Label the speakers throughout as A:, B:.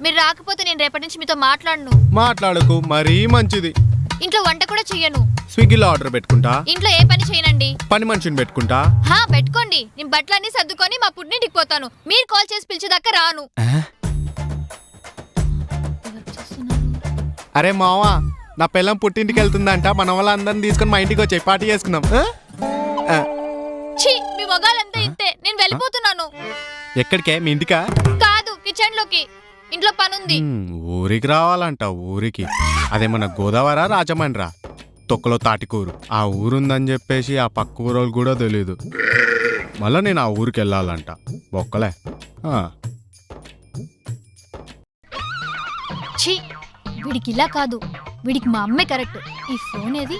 A: మీరు రాకపోతే నేను రేపటి నుంచి మీతో
B: మాట్లాడకు, మరీ మంచిది.
A: ఇంట్లో వంట కూడా చెయ్యను.
B: స్విగ్గీలో ఆర్డర్ పెట్టుకుంటా.
A: ఇంట్లో ఏ పని చేయనండి.
B: పని మనిషిని పెట్టుకుంటా.
A: పెట్టుకోండి. నేను బట్టలన్నీ సర్దుకొని మా పుట్టింటికి పోతాను. మీరు కాల్ చేసి పిలిచేదాకా రాను.
B: అరే మావా, నా పిల్లం పుట్టింటికి వెళ్తుందంట. మన వాళ్ళందరిని తీసుకొని మా ఇంటికి వచ్చి పార్టీ చేసుకుందాం.
A: మీ మొగాలంతా ఇంతే. నేను వెళ్ళిపోతున్నాను.
B: ఎక్కడికే? మీ ఇంటికా?
A: కాదు, కిచెన్ లోకి. ఇంట్లో పనుంది.
B: ఊరికి రావాలంట. ఊరికి అదేమన్నా గోదావరా రాజమండ్రా? తొక్కలో తాటికూరు. ఆ ఊరుందని చెప్పేసి ఆ పక్క ఊరోళ్ళు కూడా తెలీదు. మళ్ళా నేను ఆ ఊరికి వెళ్ళాలంట. బొక్కలే.
A: వీడికి ఇలా కాదు, వీడికి మా అమ్మే కరెక్ట్. ఈ ఫోన్ ఏది?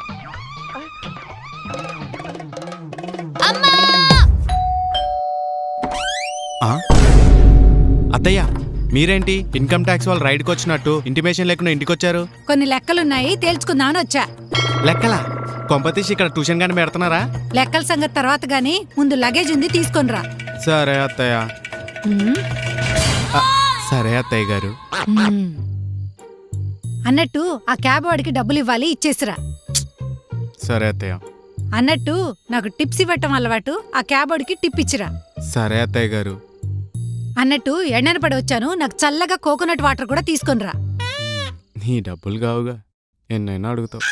B: అత్తయ్య, మీరేంటి ఇన్కమ్ ట్యాక్స్ వాళ్ళు రైడ్కి వచ్చినట్టు ఇంటిమేషన్ లేకుండా ఇంటికి వచ్చారు?
C: కొన్ని లెక్కలున్నాయి, తేల్చుకుందామని వచ్చా.
B: లెక్కలా? కొంపతీసి ఇక్కడ ట్యూషన్ గాని పెడుతున్నారా?
C: లెక్కల సంగతి తర్వాత గానీ ముందు లగేజ్ ఉంది, తీసుకొనిరా.
B: సరే అత్తయ్య. సరే అత్తయ్య గారు.
C: అన్నట్టు ఆ క్యాబ్ వాడికి డబ్బులు ఇవ్వాలి, ఇచ్చేసిరా.
B: సరే అత్తయ్య.
C: అన్నట్టు నాకు టిప్స్ ఇవ్వటం అలవాటు, ఆ క్యాబ్ వాడికి టిప్ ఇచ్చిరా.
B: సరే అత్తయ్య గారు.
C: అన్నట్టు ఎండన పడి వచ్చాను, నాకు చల్లగా కోకోనట్ వాటర్ కూడా తీసుకొనిరా.
B: నీ డబ్బులు కావుగా, ఎన్నైనా అడుగుతావు.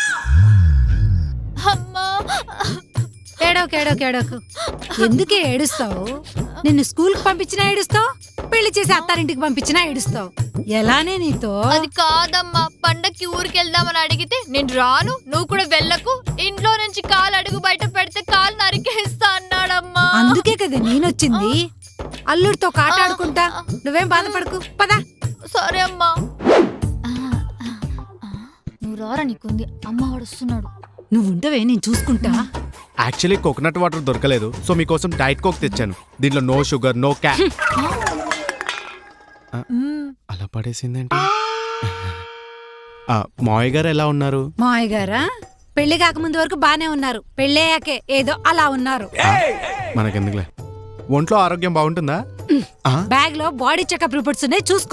C: ఏడోకు ఎందుకే ఏడుస్తావు? నిన్ను స్కూల్కి పంపించినా ఏడుస్తావు, పెళ్లి చేసి అత్తారింటికి పంపించినా ఏడుస్తావు. ఎలానే నీతో?
A: అది కాదమ్మా, పండక్కి ఊరికి వెళ్దామని అడిగితే నేను రాను, నువ్వు కూడా వెళ్ళకు, ఇంట్లో నుంచి కాలు అడుగు బయట పెడితే కాలు నరికేస్తా అన్నాడమ్మా.
C: అందుకే కదా నేనొచ్చింది. అల్లుడితో కాట ఆడుకుంటా. నువ్వేం బాధపడకు, పదా.
A: సరే అమ్మా. నువ్వు రారా, నీకుంది. అమ్మ వాడు వస్తున్నాడు.
C: నువ్వుంటవే, నేను చూసుకుంటా.
B: యాక్చువల్లీ కోకోనట్ వాటర్ దొరకలేదు, సో మీకోసం డైట్ కోక్ తెచ్చాను. దీంట్లో నో షుగర్, నో క్యాప్. అలా పడేసిందేంటి? మావయ్య గారు ఎలా ఉన్నారు?
C: మావయ్య గారా పెళ్లి కాకముందు వరకు బానే ఉన్నారు, పెళ్ళయ్యాకే ఏదో అలా ఉన్నారు.
B: మనకెందుకులే. ఒంట్లో ఆరోగ్యం బాగుంటుందా?
C: బ్యాగ్ లో బాడీ చెకప్ రిపోర్ట్స్ ఉన్నాయి, చూసుకో.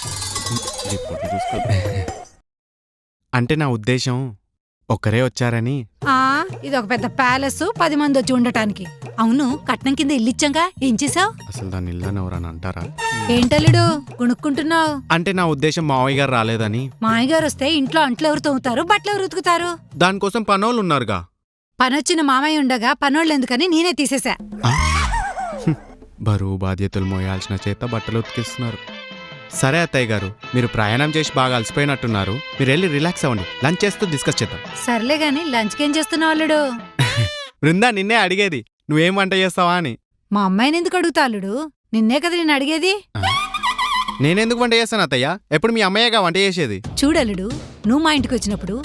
B: అంటే నా ఉద్దేశం ఒక్కరే వచ్చారని.
C: ఇది ఒక పెద్ద ప్యాలెస్, 10 మంది వచ్చి ఉండటానికి. అవును, కట్నం కింద ఇల్లిచ్చాంగా, ఏం చేసావు?
B: అసలు దాని ఇల్లని ఎవరని అంటారా?
C: ఏంటల్లుడు గుణుక్కుంటున్నావు?
B: అంటే నా ఉద్దేశం మావయ్య గారు రాలేదని.
C: మావయ్య గారు వస్తే ఇంట్లో అంట్లు ఎవరు తోముతారు, బట్టలు ఎవరు ఉతుకుతారు?
B: దానికోసం పనోళ్ళు ఉన్నారుగా.
C: పనొచ్చిన మామయ్య ఉండగా పనోళ్ళు ఎందుకని నేనే తీసేశా.
B: బరువు బాధ్యతలు మోయాల్సిన చేత బట్టలు ఉతికిస్తున్నారు. సరే అత్తయ్య గారు, మీరు ప్రయాణం చేసి బాగా అలసిపోయినట్టున్నారు. మీరు వెళ్ళి రిలాక్స్ అవ్వండి, లంచ్ చేస్తూ డిస్కస్ చేద్దాం.
C: సర్లే గాని లంచ్కి ఏం చేస్తున్నావు అల్లుడు?
B: బృందా, నిన్నే అడిగేది, నువ్వేం వంట చేస్తావా అని.
C: మా అమ్మాయిని ఎందుకు అడుగుతా అల్లుడు? నిన్నే కదా నేను అడిగేది.
B: నేనెందుకు వంట చేస్తాను అత్తయ్య? ఎప్పుడు మీ అమ్మయ్యగా వంట చేసేది.
C: చూడలుడు, నువ్వు మా ఇంటికి వచ్చినప్పుడు